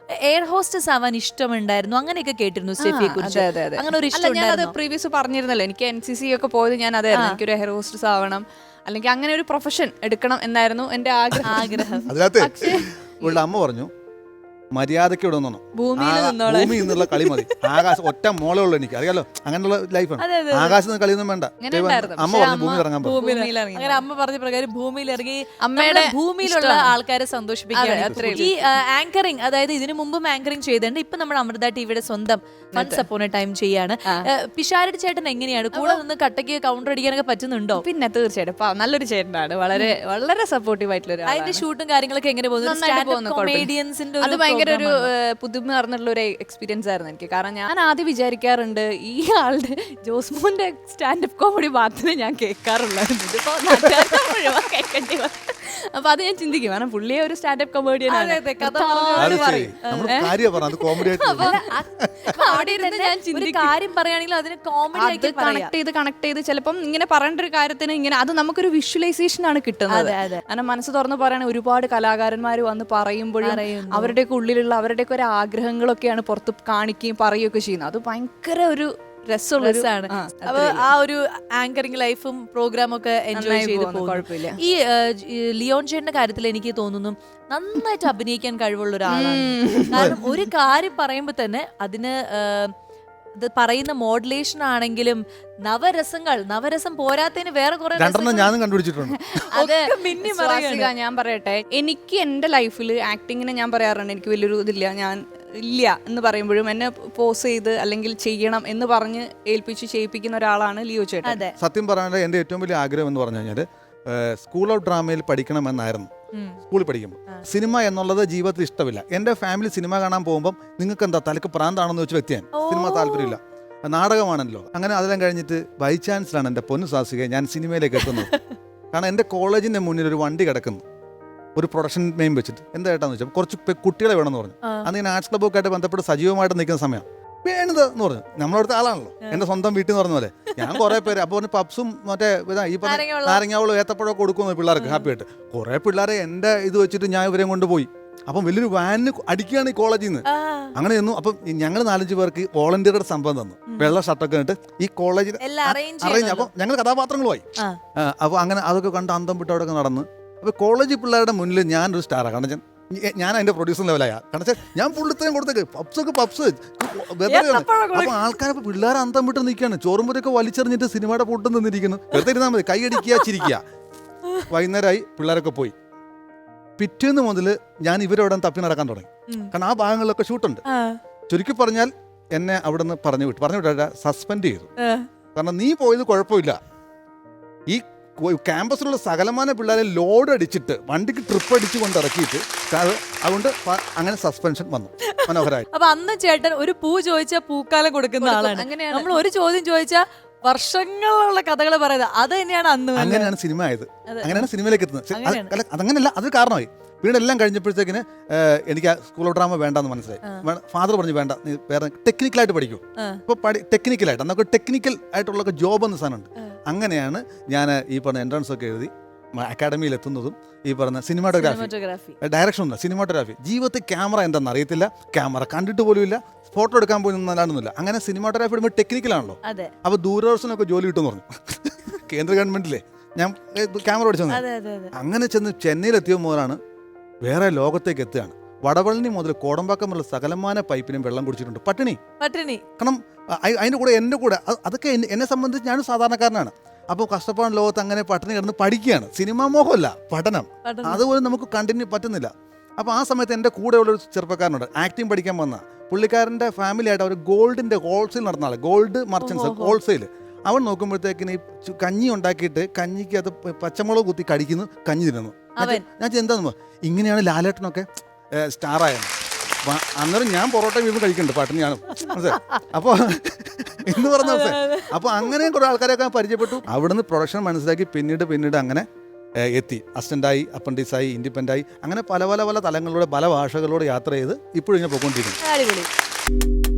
Air hostess ആവാൻ ഇഷ്ടമുണ്ടായിരുന്നു അങ്ങനെയൊക്കെ കേട്ടിരുന്നു സ്റ്റെഫിയെ കുറിച്ച്. അങ്ങനെ ഒരു ഇഷ്ടം ഞാനത് പ്രീവിയസ് പറഞ്ഞിരുന്നല്ലോ, എനിക്ക് NCC ഒക്കെ പോയത് ഞാൻ അതായിരുന്നു, എനിക്കൊരു എയർ ഹോസ്റ്റസ് ആവണം അല്ലെങ്കിൽ അങ്ങനെ ഒരു പ്രൊഫഷൻ എടുക്കണം എന്നായിരുന്നു എന്റെ ആഗ്രഹം. അതിനകത്ത് ഇവളുടെ അമ്മ പറഞ്ഞു മര്യാദയ്ക്ക് ഇവിടെ നിന്നോ, ഭൂമി എന്നുള്ള കളി മതി, ആകാശം ഒറ്റ മോളേ ഉള്ളൂ എനിക്ക് അറിയാലോ, അങ്ങനെയുള്ള ലൈഫാണ്, ആകാശത്ത് നിന്ന് കളിയൊന്നും വേണ്ട. അമ്മ പറഞ്ഞു ഭൂമി ഇറങ്ങാൻ പറഞ്ഞു. അങ്ങനെ അമ്മ പറഞ്ഞ പ്രകാരം ഭൂമിയിൽ ഇറങ്ങി അമ്മയുടെ ഭൂമിയിലുള്ള ആൾക്കാരെ സന്തോഷിപ്പിക്കുകയാണ്. ഈ ആങ്കറിങ്, അതായത് ഇതിനു മുമ്പും ആങ്കറിങ് ചെയ്തിട്ടുണ്ട്, ഇപ്പൊ നമ്മുടെ അമൃത ടിവിയുടെ സ്വന്തം വൺസ് അപ്പോൺ എ ടൈം ചെയ്യാണ്. പിഷാരടി ചേട്ടൻ എങ്ങനെയാണ് കൂടെ നിന്ന് കട്ടയ്ക്ക് കൗണ്ടർ അടിക്കാനൊക്കെ പറ്റുന്നുണ്ടോ? പിന്നെ തീർച്ചയായിട്ടും നല്ലൊരു ചേട്ടനാണ്, വളരെ വളരെ സപ്പോർട്ടീവ് ആയിട്ടുള്ള. അതിന്റെ ഷൂട്ടും കാര്യങ്ങളൊക്കെ എങ്ങനെ പോകുന്നു? കൊമേഡിയൻസിന്റെ അത് ഭയങ്കര ഒരു പുതുമ പറഞ്ഞിട്ടുള്ള ഒരു എക്സ്പീരിയൻസ് ആയിരുന്നു എനിക്ക്. കാരണം ഞാൻ ആദ്യം വിചാരിക്കാറുണ്ട് ഈ ആളുടെ ജോസ്മോന്റെ സ്റ്റാൻഡപ്പ് കോമഡി മാത്രമേ ഞാൻ കേൾക്കാറുള്ളായിരുന്നു, ഇതിപ്പോ കേൾക്കേണ്ടി വന്നു. അപ്പൊ അത് ഞാൻ ചിന്തിക്കും, കാരണം പുള്ളിയെ ഒരു സ്റ്റാൻഡപ്പ് കൊമേഡിയൻ ആണ്. ഞാൻ കാര്യം പറയുകയാണെങ്കിൽ അതിന് കോമഡി കണക്ട് ചെയ്ത് ചിലപ്പം ഇങ്ങനെ പറയേണ്ട ഒരു കാര്യത്തിന് ഇങ്ങനെ അത് നമുക്കൊരു വിഷ്വലൈസേഷൻ ആണ് കിട്ടുന്നത്. കാരണം മനസ്സ് തുറന്ന് പറയുന്ന ഒരുപാട് കലാകാരന്മാർ വന്ന് പറയുമ്പോഴും അവരുടെയൊക്കെ ഉള്ളിലുള്ള അവരുടെയൊക്കെ ഒരു ആഗ്രഹങ്ങളൊക്കെയാണ് പുറത്ത് കാണിക്കുകയും പറയുകയൊക്കെ ചെയ്യുന്നത്. അത് ഭയങ്കര ഒരു രസമാണ്. അപ്പൊ ആ ഒരു ആങ്കറിംഗ് ലൈഫും പ്രോഗ്രാമും ഒക്കെ എൻജോയ് ചെയ്ത് പോകും. ഈ ലിയോൺ ചേട്ടന്റെ കാര്യത്തിൽ എനിക്ക് തോന്നുന്നു നന്നായിട്ട് അഭിനയിക്കാൻ കഴിവുള്ള ഒരാളാണ്. കാരണം ഒരു കാര്യം പറയുമ്പോ തന്നെ അതിന് പറയുന്ന മോഡുലേഷൻ ആണെങ്കിലും നവരസം പോരാത്തതിന് വേറെ കുറെ ഞാനും കണ്ടുപിടിച്ചിട്ടുണ്ട്. ഞാൻ പറയട്ടെ, എനിക്ക് എന്റെ ലൈഫിൽ ആക്ടിങ്ങിനെ ഞാൻ പറയാറുണ്ട് എനിക്ക് വലിയൊരു ഇതില്ല, ഞാൻ ഇല്ല എന്ന് പറയുമ്പോഴും എന്നെ പോസ് ചെയ്ത് അല്ലെങ്കിൽ ചെയ്യണം എന്ന് പറഞ്ഞ് ഏൽപ്പിച്ച് ചെയ്യിപ്പിക്കുന്ന ഒരാളാണ് ലിയോ ചേട്ടൻ. സത്യം പറയാനുള്ള എന്റെ ഏറ്റവും വലിയ ആഗ്രഹം എന്ന് പറഞ്ഞു കഴിഞ്ഞാൽ സ്കൂൾ ഓഫ് ഡ്രാമയിൽ പഠിക്കണമെന്നായിരുന്നു. സ്കൂളിൽ പഠിക്കുമ്പോൾ സിനിമ എന്നുള്ളത് ജീവിതത്തിൽ ഇഷ്ടമില്ല. എൻ്റെ ഫാമിലി സിനിമ കാണാൻ പോകുമ്പോൾ നിങ്ങൾക്ക് എന്താ തലക്ക് പ്രാന്താണെന്ന് വെച്ച് വ്യക്തിയാണ്, സിനിമ താല്പര്യമില്ല, നാടകമാണല്ലോ. അങ്ങനെ അതെല്ലാം കഴിഞ്ഞിട്ട് ബൈ ചാൻസിലാണ് എൻ്റെ പൊന്നു സാസിക ഞാൻ സിനിമയിലേക്ക് എത്തുന്നത്. കാരണം എൻ്റെ കോളേജിൻ്റെ മുന്നിൽ ഒരു വണ്ടി കിടക്കുന്നു, ഒരു പ്രൊഡക്ഷൻ നെയിം വെച്ചിട്ട്. എന്താ ഏട്ടാന്ന് വെച്ചാൽ കുറച്ച് കുട്ടികളെ വേണമെന്ന് പറഞ്ഞു. അന്ന് ഞാൻ ആർട്സ് ക്ലബ്ബൊക്കെ ആയിട്ട് ബന്ധപ്പെട്ട് സജീവമായിട്ട് നിൽക്കുന്ന സമയം വേണത് എന്ന് പറഞ്ഞു. നമ്മളടുത്ത ആളാണല്ലോ, എൻ്റെ സ്വന്തം വീട്ടിൽ നിന്ന് പറഞ്ഞ പോലെ. ഞാൻ കുറേ പേര് അപ്പോൾ പപ്സും മറ്റേ ഈ പറഞ്ഞ നാരങ്ങാവളും ഏത്തപ്പഴമൊക്കെ കൊടുക്കുന്നു പിള്ളേർക്ക് ഹാപ്പി ആയിട്ട്. കുറേ പിള്ളേരെ എൻ്റെ ഇത് വെച്ചിട്ട് ഞാൻ ഇവരെ കൊണ്ടുപോയി. അപ്പം വലിയൊരു വാനിന് അടിക്കുകയാണ് ഈ കോളേജിൽ നിന്ന്. അങ്ങനെ ചെന്നു. അപ്പം ഞങ്ങൾ 4-5 പേർക്ക് വോളണ്ടിയറുടെ സംഭവം തന്നു, വെള്ള ഷർട്ടൊക്കെ ഇട്ട് ഈ കോളേജിൽ അറേഞ്ച്. അപ്പം ഞങ്ങൾ കഥാപാത്രങ്ങളുമായി. അപ്പോൾ അങ്ങനെ അതൊക്കെ കണ്ട് അന്തം വിട്ട് അവിടെ നടന്ന്. അപ്പോൾ കോളേജ് പിള്ളേരുടെ മുന്നിൽ ഞാനൊരു സ്റ്റാറാണ്. കാരണം ഞാൻ അതിന്റെ പ്രൊഡ്യൂസർ ലെവലായ. കാരണം ഞാൻ പുള്ളിത്തരം കൊടുത്തേക്ക് പപ്സ്. അപ്പൊ ആൾക്കാരെ പിള്ളേരെ അന്തം വിട്ട് നിൽക്കുകയാണ്, ചോറുമ്പൊക്കെ വലിച്ചെറിഞ്ഞിട്ട് സിനിമയുടെ പൊട്ടും നിന്നിരിക്കുന്നു. വെറുതെ ഇരുന്നാൽ മതി, കൈയടിക്കുക ചിരിക്കുക. വൈകുന്നേരമായി പിള്ളേരൊക്കെ പോയി. പിറ്റേന്ന് മുതൽ ഞാൻ ഇവരവിടെ തപ്പി നടക്കാൻ തുടങ്ങി. കാരണം ആ ഭാഗങ്ങളിലൊക്കെ ഷൂട്ടുണ്ട്. ചുരുക്കി പറഞ്ഞാൽ എന്നെ അവിടെ നിന്ന് പറഞ്ഞു വിട്ട സസ്പെൻഡ് ചെയ്തു. കാരണം നീ പോയത് കുഴപ്പമില്ല, ഈ ക്യാമ്പസിലുള്ള സകലമാന പിള്ളേരെ ലോഡ് അടിച്ചിട്ട് വണ്ടിക്ക് ട്രിപ്പ് അടിച്ച് കൊണ്ട് ഇറക്കിയിട്ട് അതുകൊണ്ട് അങ്ങനെ സസ്പെൻഷൻ വന്നു. മനോഹരമായി. അപ്പൊ അന്ന് ചേട്ടൻ ഒരു പൂ ചോദിച്ചാൽ പൂക്കാലം കൊടുക്കുന്ന ആളാണ്. നമ്മൾ ഒരു ചോദ്യം ചോദിച്ചാൽ വർഷങ്ങളുള്ള കഥകൾ പറയുന്നത് അത് തന്നെയാണ് അന്ന്. അങ്ങനെയാണ് സിനിമ ആയത്, അങ്ങനെയാണ് സിനിമയിലേക്ക് എത്തുന്നത്. അതങ്ങനെയല്ല, അതൊരു കാരണമായി. പിന്നീട് എല്ലാം കഴിഞ്ഞപ്പോഴത്തേക്കിന് എനിക്ക് സ്കൂൾ ഓഫ് ഡ്രാമ വേണ്ടെന്ന് മനസ്സിലായി. ഫാദർ പറഞ്ഞു വേണ്ട, നീ വേറെ ടെക്നിക്കലായിട്ട് പഠിക്കൂ. ഇപ്പോൾ ടെക്നിക്കലായിട്ട് അന്നൊക്കെ ടെക്നിക്കൽ ആയിട്ടുള്ള ജോബ് എന്ന സാധനമുണ്ട്. അങ്ങനെയാണ് ഞാൻ ഈ പറഞ്ഞ എൻട്രൻസ് ഒക്കെ എഴുതി അക്കാഡമിയിൽ എത്തുന്നതും. ഈ പറഞ്ഞ സിനിമാറ്റോഗ്രാഫി, ഡയറക്ഷൻ ഉണ്ട്, സിനിമാറ്റോഗ്രാഫി. ജീവിതത്തിൽ ക്യാമറ എന്താണെന്ന് അറിയത്തില്ല, ക്യാമറ കണ്ടിട്ട് പോലും ഇല്ല, ഫോട്ടോ എടുക്കാൻ പോലും നല്ലാണെന്നില്ല. അങ്ങനെ സിനിമാറ്റോഗ്രാഫി ഇടുമ്പോൾ ടെക്നിക്കലാണല്ലോ. അപ്പോൾ ദൂരദർശനൊക്കെ ജോലി കിട്ടുമെന്ന് പറഞ്ഞു. കേന്ദ്ര ഗവൺമെന്റിലെ ഞാൻ ക്യാമറ പഠിച്ചു. അങ്ങനെ ചെന്ന് ചെന്നൈയിലെത്തിയ മുതലാണ് വേറെ ലോകത്തേക്ക് എത്തുകയാണ്. വടവള്ളി മുതൽ കോടമ്പാക്കം മുതൽ സകലമാന പൈപ്പിനും വെള്ളം കുടിച്ചിട്ടുണ്ട്. പട്ടിണി. കാരണം അതിൻ്റെ കൂടെ എൻ്റെ കൂടെ അതൊക്കെ എന്നെ സംബന്ധിച്ച് ഞാനും സാധാരണക്കാരനാണ്. അപ്പോൾ കഷ്ടപ്പാട് ലോകത്ത് അങ്ങനെ പട്ടിണി കിടന്ന് പഠിക്കുകയാണ്. സിനിമാ മോഹമല്ല, പഠനം. അതുപോലെ നമുക്ക് കണ്ടിന്യൂ പറ്റുന്നില്ല. അപ്പോൾ ആ സമയത്ത് എൻ്റെ കൂടെയുള്ളൊരു ചെറുപ്പക്കാരനുണ്ട്, ആക്ടിങ് പഠിക്കാൻ വന്ന പുള്ളിക്കാരൻ്റെ ഫാമിലി ആയിട്ട് അവർ ഗോൾഡിൻ്റെ ഹോൾസെയിൽ നടന്ന ആൾ, ഗോൾഡ് മർച്ചൻസ് ഹോൾസെയിൽ. അവൻ നോക്കുമ്പോഴത്തേക്കിന് ഈ കഞ്ഞി ഉണ്ടാക്കിയിട്ട് കഞ്ഞിക്ക് അത് പച്ചമുളക് കുത്തി കടിക്കുന്നു, കഞ്ഞി തിന്നുന്നു. ഞാൻ എന്താന്ന് ഇങ്ങനെയാണ് ലാലേട്ടനൊക്കെ സ്റ്റാറായത്. അന്നേരം ഞാൻ പൊറോട്ട വീണ്ടും കഴിക്കുന്നുണ്ട്, പട്ടിണിയാണ്. അപ്പോൾ എന്ന് പറഞ്ഞ അപ്പോൾ അങ്ങനെ കുറേ ആൾക്കാരൊക്കെ പരിചയപ്പെട്ടു. അവിടുന്ന് പ്രൊഡക്ഷൻ മനസ്സിലാക്കി പിന്നീട് അങ്ങനെ എത്തി. അസിസ്റ്റൻ്റായി, അപ്രൻറ്റീസായി, ഇൻഡിപെൻഡൻ്റായി, അങ്ങനെ പല തലങ്ങളിലൂടെ പല ഭാഷകളിലൂടെ യാത്ര ചെയ്ത് ഇപ്പോഴും ഞാൻ പോയിക്കൊണ്ടിരിക്കുന്നു.